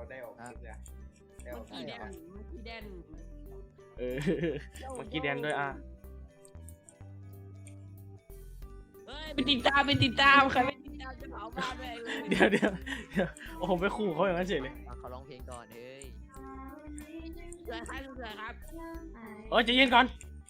ได้ออกคลิปเลยได้ออกคลิปเมื่อกี้แดนเมื่อกี้แดนด้วยเฮ้ยไปติดตามใครไม่ติดตามจะเผาบ้านด้วยเลยเดี๋ยวโอ้ผมไปขู่เขาอย่างนั้นเฉยเลยเขาร้องเพลงก่อนเฮ้ยเสือครับใจเย็นก่อน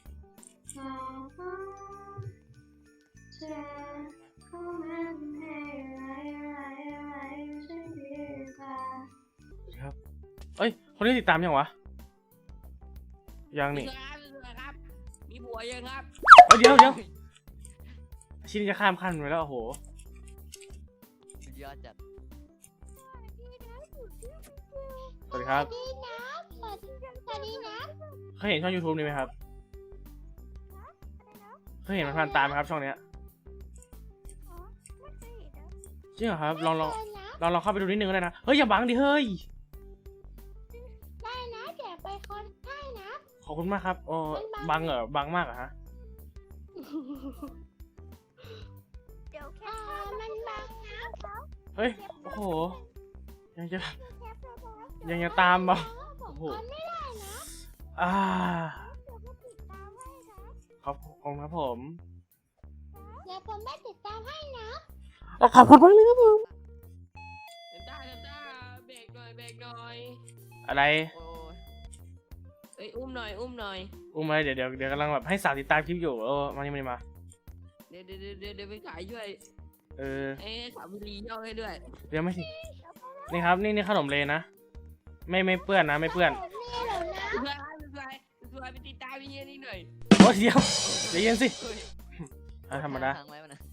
ครับคนนี้ติดตามยังวะยังนี่เสือครับมีผัวยังครับเดี๋ยวชิ้นจะข้ามขั้นไปแล้วโอ้โหสุดยอดจัดสวัสดีครับสวัสดีนะเคยเห็นช่อง YouTube นี้ไหมครับเคยเห็นมันผ่านตามไหมครับช่องเนี้ยจริงเหรอครับลองเข้าไปดูนิดนึงก็ได้นะเฮ้ยอย่าบังดิเฮ้ยได้นะเดี๋ยวไปคนได้นะขอบคุณมากครับบังเหรอบังมากเหรอฮะเดี๋ยวแค่มันบังนะเฮ้ยโอ้โหยังจะตามบ่ผมโอ้โหคนไม่ได้นะเดี๋ยวเดี๋ยวผมติดตามให้นะขอบคุณครับผมเดี๋ยวผมไม่ติดตามให้นะขอบคุณมากเลยครับผมได้เบรกหน่อยอะไรโอ้ยเอ้ยอุ้มหน่อยอุ้มอะไรเดี๋ยวกำลังแบบให้สาวติดตามคลิปอยู่มานี่มาเดี๋ยวไปขายช่วยสาวบุรีย่อให้ด้วยเดี๋ยวไม่สินี่ครับนี่ขนมเลนะไม่เปื้อนนะไม่เปื้อนผมนี่เหรอนะเสือไปติดตามพี่นี่หน่อยโอ้เดี๋ยวใจเย็นสิเฮ้ยธรรมดาค้งไว้มันนะ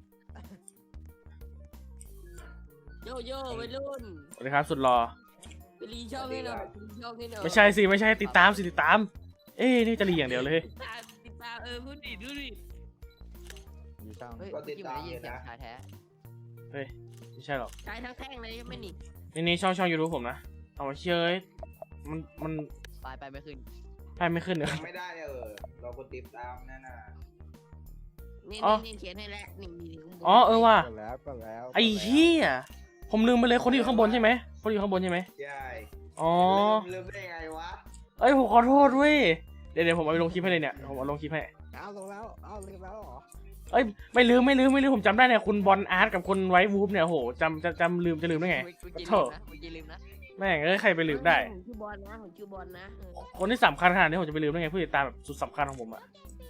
โยวัยรุ่นสวัสดีครับสุดหล่อไปรีช่องให้หน่อยไม่ใช่สิไม่ใช่ติดตามสิติดตามนี่จะรีอย่างเดียวเลยติดตามพูดดิดูดิเฮ้ยเมื่อกี้ผมได้ยินเสียงชายแท้ไม่ใช่หรอกใช้ทั้งแท่งเลยไม่หนีนี่ช่อง YouTube ผมนะเอามาเชื่อมันไปไม่ขึ้นไปไม่ขึ้นเหรอยังไม่ได้เลยเราคนติดตามนั่นน่ะนี่เขียนให้แล้วนี่ว่ะก็แล้วไอ้เหี้ยผมลืมไปเลยคนที่อยู่ข้างบนใช่ไหมคนที่อยู่ข้างบนใช่ไหมใช่อ๋อลืมได้ไงวะผมขอโทษเว้ยเดี๋ยวผมเอาไปลงคลิปให้เลยเนี่ยผมเอาลงคลิปให้เอาลงแล้วลืมแล้วเหรอไม่ลืมผมจำได้เนี่ยคุณบอลอาร์ตกับคุณไวท์วูฟเนี่ยโหจำลืมได้ไงเมื่อกี้โถ่ลืมนะแม่งใครไปลืมได้ผมชื่อบอลนะคนที่สำคัญขนาดนี้ผมจะไปลืมได้ไงผู้ติดตามแบบสุดสำคัญของผมอะ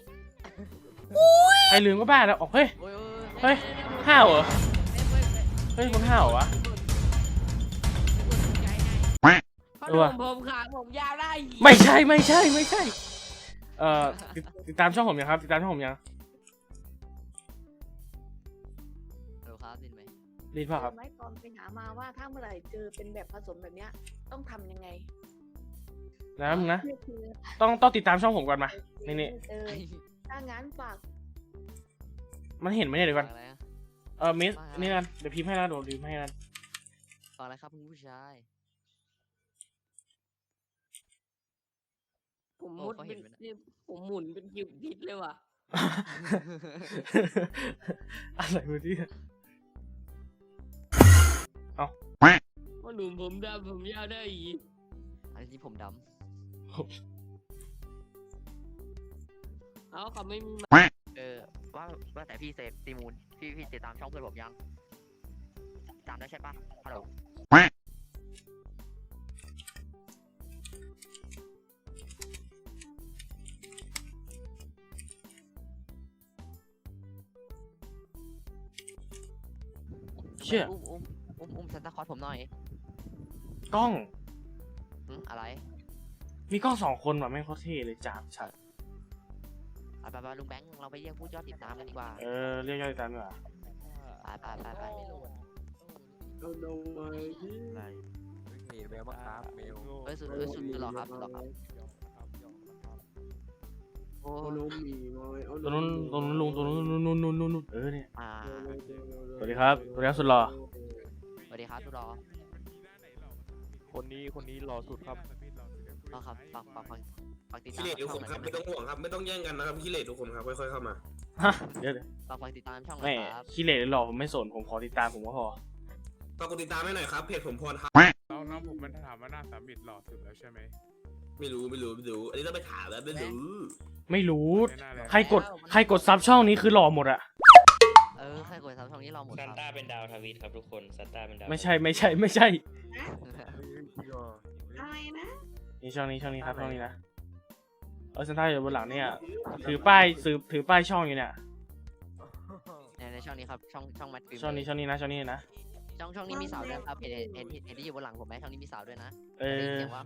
ใครลืมก็บ้าแล้วเฮ้ยเฮ้ยห้าวเหรอเฮ้ยคนห้าวเหรอวะผมขาผมยาวได้ไม่ใช่ติดตามช่องผมยังครับติดตามช่องผมยังเดี๋ยวครับดินไหมรีดป่ะครับไม่ตอนไปหามาว่าถ้าเมื่อไหร่เจอเป็นแบบผสมแบบเนี้ยต้องทำยังไงนะมึงนะนี่คือต้องติดตามช่องผมก่อนมานี่เออถ้างั้นฝากมันเห็นไหมเนี่ยเดี๋ยวก่อนอะไรอะมิสนี่กันเดี๋ยวพิมพ์ให้แล้วเดี๋ยวพิมพ์ให้กันฟังอะไรครับคุณผู้ชายผมมุดเป็นผมหมุนเป็นคิวพิษเลยว่ะอะไรวะเนี่ยว่าหนุ่มผมดำผมยาวได้อีกอันนี้ผมดเอาเขาไม่มีำว่าแต่พี่เซฟซีมูนพี่ติดตามช่องเพื่อนผมยังตามได้ใช่ปะฮัลโหลเชี่ยอุ้มซันตาคลอสผมหน่อยกล้องอะไรมีกล้อง2 คนว่ะแม่งโคตรเท่เลยจับชัดไปลุงแบงค์เราไปเรียกผู้ยอดติดตามกันดีกว่าเรียกยอดติดตามดีกว่าไปเอาลงมาที่อะไรมีเมลบ้างครับเมลสุดหรอครับโอ้เอาลงมีน้อยเอาตัวนู้นลุงตัวนู้นเนี่ยอ่าสวัสดีครับสุดหล่อสวัสดีครับทุกรอคนนี้รอสุดครับครับฝากติดตามขี้เหร่ทุกคนครับไม่ต้องห่วงครับไม่ต้องแย่งกันนะครับขี้เหร่ทุกคนครับค่อยๆเข้ามาฮะเดี๋ยวฝากติดตามช่องแม่ครับขี้เหร่หรือหล่อผมไม่สนผมขอติดตามผมก็พอฝากกดติดตามให้หน่อยครับเพจผมพรครับเรานผมมันถามว่าหน้าสามบิดหล่อสุดแล้วใช่ไหมไม่รู้อันนี้ต้องไปถามแล้วไม่รู้ไม่รู้ไม่น่าเลยใครกดซับช่องนี้คือหล่อหมดอะใครกดซับช่องนี้เราหมดคซันรับต้าเป็นดาวทวีตครับทุกคนซันต้าเป็นดาวไม่ใช่ไม่ใช่อะไรนะนี่ช่องนี้ครับช่องนี้นะซันต้าอยู่บนหลังเนี่ยถือป้ายช่องอยู่เนี่ยในช่องนี้ครับช่องแมทฟิล์มช่องนี้นะช่องนี้นะช่องนี้มีสาวด้วยครับเห็นที่อยู่บนหลังผมไหมช่องนี้มีสาวด้วยนะเออได้ยินเสียงว่า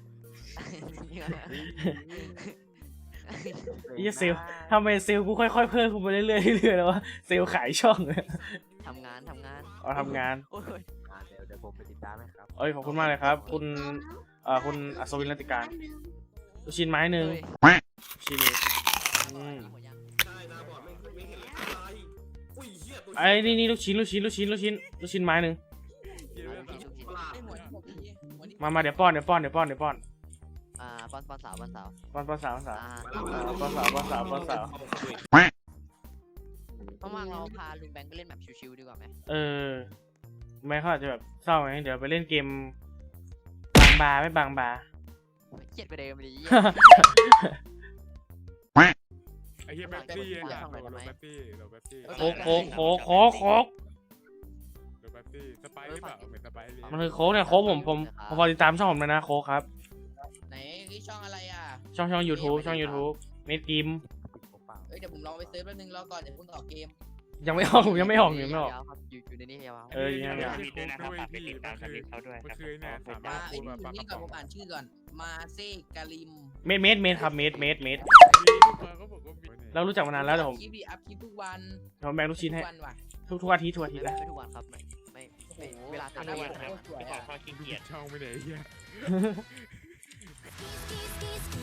เซลทำไมเซลกูค่อยๆเพิ่มขึ้นไปเรื่อยๆแล้ววะเซลขายช่องทำงานอ๋อทำงานโอ้ยเดี๋ยวผมไปติดตามนะครับเอ้ยขอบคุณมากเลยครับ คุณอัศวินรัตติการลูกชิ้นไม้หนึ่งเฮ้ยชิ้นหนึ่งใช่นะบอดไม่เห็นเลยอะไรอุ้ยเหี้ยตัวไอ้นี่ลูกชิ้นไม้หนึ่งประหลาดมาเดี๋ยวป้อนป้อนสาวป้อนสาวว่างๆเราพาลุงแบงค์ไปเล่นแบบชิวๆดีกว่าไหมแม่เขาอาจจะแบบเศร้าไงเดี๋ยวไปเล่นเกมบางบาร์เครียดไปเดิมเลยไอ้เหี้ยแป๊บซี่อะโหลแป๊บซี่โค้กโหลแป๊บซี่สไปร์หรือเปล่าเหมือนสไปร์เลยมันคือโค้กเนี่ยโค้กผมพอติดตามช่องผมเลยนะโค้กครับไหนนี่ช่องอะไรอ่ะช่อง YouTube เมดกิมเอ้ยเดี๋ยวผมลองไปเซิร์ชแป๊บนึงรอก่อนเดี๋ยวเพิ่งต่อเกมยังไม่ออกยังไม่ออกยาวครับอยู่ในนี้ยาวยังไม่ออกทวีตด้วยนะครับฝากไปติดตามทวีตเขาด้วยครับเมื่อคืนเนี่ยสามารมาถไอ้พูดนี่แบบปากกนี่ระก่อนป๋องผมอ่านชื่อก่อน มาเซกาลิมเมดครับเมดมีลูกมาก็บอกว่ามีเรารู้จักมานานแล้วเดี๋ยวผมคลิปดีอัพคลิปทุกวันแบ่งลูกชิ้นให้ทุกวันว่ะทุกอาทิตย์ไม่นะทุกวันครับไม่เวลาทุกวันครับไม่ขอข้อขี้เกียจช่องไม่ไหนเหี้ย Kiss, kiss, kiss,